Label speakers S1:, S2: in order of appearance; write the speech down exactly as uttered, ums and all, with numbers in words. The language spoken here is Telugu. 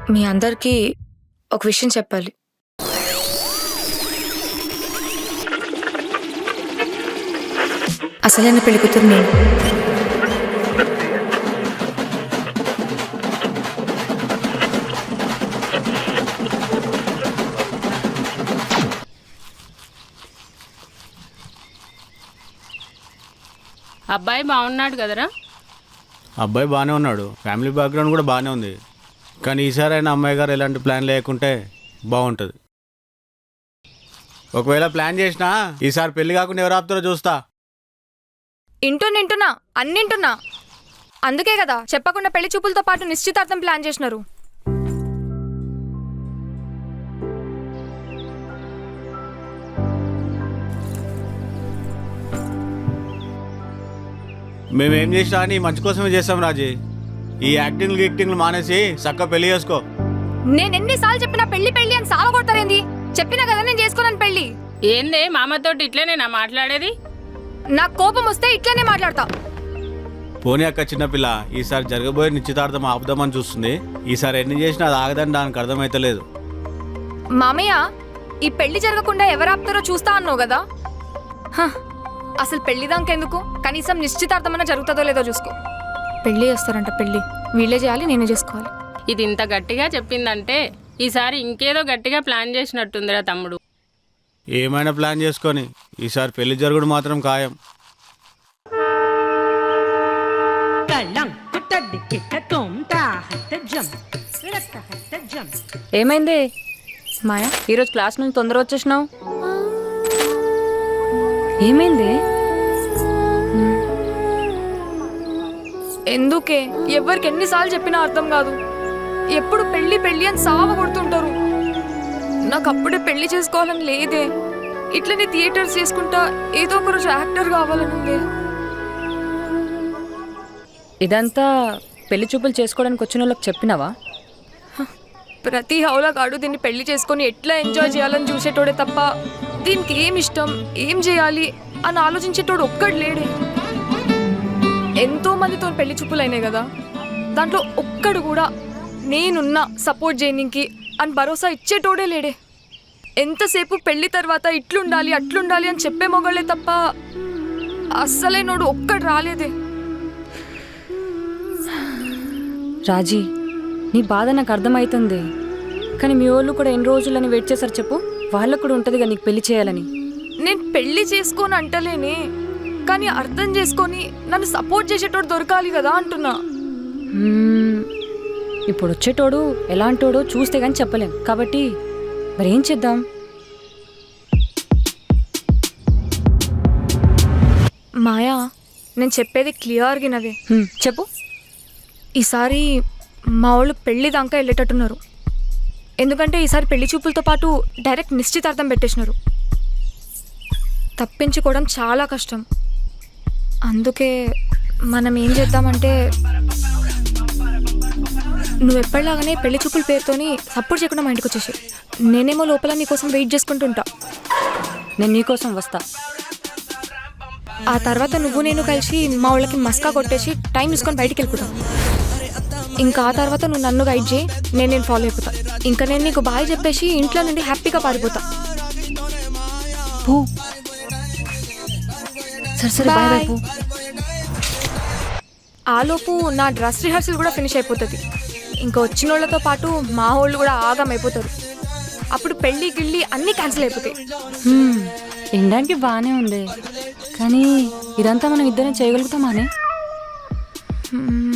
S1: మీ అందరికీ ఒక విషయం చెప్పాలి. అసలైన పెళ్లి కూతురు నేను.
S2: అబ్బాయి బాగున్నాడు కదరా?
S3: అబ్బాయి బాగానే ఉన్నాడు, ఫ్యామిలీ బ్యాక్గ్రౌండ్ కూడా బాగానే ఉంది. కానీ ఈసారి అయినా అమ్మాయి గారు ఎలాంటి ప్లాన్ లేకుంటే బాగుంటుంది. ఒకవేళ ప్లాన్ చేసినా ఈసారి పెళ్లి కాకుండా ఎవరు ఆపుతారో చూస్తా.
S1: ఇంటున్నా ఇంటున్నా అన్నింటున్నా. అందుకే కదా చెప్పకుండా పెళ్లి చూపులతో పాటు నిశ్చితార్థం ప్లాన్ చేసినారు.
S3: మేమేం చేసినా అని మంచి కోసమే చేస్తాం రాజీ. ఈ యాక్టింగ్లు గిక్టింగ్లు మానేసి చక్కగా పెళ్లి చేసుకో.
S1: నేను ఎన్నిసార్లు చెప్పినా పెళ్లి పెళ్లి అని సావ కొడతారేంది? చెప్పినా కదా నేను చేసుకోనని పెళ్లి.
S2: ఏందే మామతోటి ఇట్లనే నా మాట్లాడేది?
S1: నాకు కోపం వస్తే ఇట్లనే మాట్లాడతా.
S3: పోనీ అక్క చిన్నపిల్ల, ఈసారి జరగబోయే నిశ్చితార్థం ఆపుదామని చూస్తుంది. ఈసారి ఎన్ని చేసినా అది ఆగదని దానికి అర్థమైతలేదు.
S1: మామయ్య, ఈ పెళ్లి జరగకుండా ఎవరు ఆపుతారో చూస్తా అన్నావు కదా. హ, అసలు పెళ్లి దాకెందుకు? కనీసం నిశ్చితార్థమన్నా జరుగుతుందో లేదో చూసుకో. పెళ్లి చేస్తారంట, పెళ్లి వీళ్ళే చేయాలి, నేనే చేసుకోవాలి.
S2: ఇది ఇంత గట్టిగా చెప్పిందంటే ఈసారి ఇంకేదో గట్టిగా ప్లాన్ చేసినట్టుందిరా తమ్ముడు.
S3: ఏమైనా ప్లాన్ చేసుకొని ఈసారి పెళ్లి జరుగుడు మాత్రం ఖాయం.
S1: ఏమైంది మాయా, ఈరోజు క్లాస్ నుంచి తొందర వచ్చేసినావు? ఏమైంది? ఎందుకే? ఎవరికి ఎన్నిసార్లు చెప్పినా అర్థం కాదు. ఎప్పుడు పెళ్లి పెళ్లి అని సావ కొడుతుంటారు. నాకు అప్పుడే పెళ్లి చేసుకోవాలని లేదే. ఇట్లనే థియేటర్స్ చేసుకుంటా ఏదో ఒక రోజు యాక్టర్ కావాలని ఉంది.
S4: ఇదంతా పెళ్లి చూపులు చేసుకోవడానికి వచ్చిన వాళ్ళకి చెప్పినావా?
S1: ప్రతి హౌలగాడు దీన్ని పెళ్లి చేసుకొని ఎట్లా ఎంజాయ్ చేయాలని చూసేటోడే తప్ప దీనికి ఏం ఇష్టం, ఏం చేయాలి అని ఆలోచించేటోడు ఒక్కడు లేడే. ఎంతో మందితో పెళ్లి చూపులు అయినాయి కదా, దాంట్లో ఒక్కడు కూడా నేనున్నా సపోర్ట్ చేయడానికి అని భరోసా ఇచ్చేటోడే లేడే. ఎంతసేపు పెళ్లి తర్వాత ఇట్లుండాలి అట్లుండాలి అని చెప్పే మొగలే తప్ప అస్సలే నోడు ఒక్కడు రాలేదే.
S4: రాజీ, నీ బాధ నాకు అర్థమవుతుంది. కానీ మీ వాళ్ళు కూడా ఎన్ని రోజులని వెయిట్ చేశారు చెప్పు. వాళ్ళకు కూడా ఉంటుంది కదా నీకు పెళ్లి చేయాలని.
S1: నేను పెళ్లి చేసుకొని అంటలేనే, కానీ అర్థం చేసుకొని నన్ను సపోర్ట్ చేసేటోడు దొరకాలి కదా అంటున్నా.
S4: ఇప్పుడు వచ్చేటోడు ఎలాంటోడో చూస్తే కానీ చెప్పలేం. కాబట్టి మరి ఏం చేద్దాం?
S1: మాయా, నేను చెప్పేది క్లియర్గా వినవే.
S4: చెప్పు.
S1: ఈసారి మా వాళ్ళు పెళ్లి దాకా వెళ్ళేటట్టున్నారు. ఎందుకంటే ఈసారి పెళ్లి చూపులతో పాటు డైరెక్ట్ నిశ్చితార్థం పెట్టేసినారు. తప్పించుకోవడం చాలా కష్టం. అందుకే మనం ఏం చేద్దామంటే, నువ్వు ఎప్పటిలాగానే పెళ్లి చూపుల పేరుతోని సపోర్ట్ చేయకుండా మా ఇంటికి వచ్చేసి, నేనేమో లోపల నీకోసం వెయిట్ చేసుకుంటుంటా.
S4: నేను నీకోసం వస్తా.
S1: ఆ తర్వాత నువ్వు నేను కలిసి మా వాళ్ళకి మస్కా కొట్టేసి టైం తీసుకొని బయటికి వెళ్ళిపోతాం. ఇంకా ఆ తర్వాత నువ్వు నన్ను గైడ్ చేయి, నేను నేను ఫాలో అయిపోతా. ఇంకా నేను నీకు బాయ్ చెప్పేసి ఇంట్లో నుండి హ్యాపీగా పారిపోతా.
S4: పో. సరే సరే, బాయ్ బాయ్.
S1: ఆలోపు నా డ్రెస్ రిహర్సల్ కూడా ఫినిష్ అయిపోతుంది. ఇంకా వచ్చిన వాళ్ళతో పాటు మా వాళ్ళు కూడా ఆగం అయిపోతారు. అప్పుడు పెళ్ళి గిళ్ళి అన్నీ క్యాన్సిల్ అయిపోతాయి.
S4: వినడానికి బాగానే ఉంది, కానీ ఇదంతా మనం ఇద్దరం చేయగలుగుతామానే?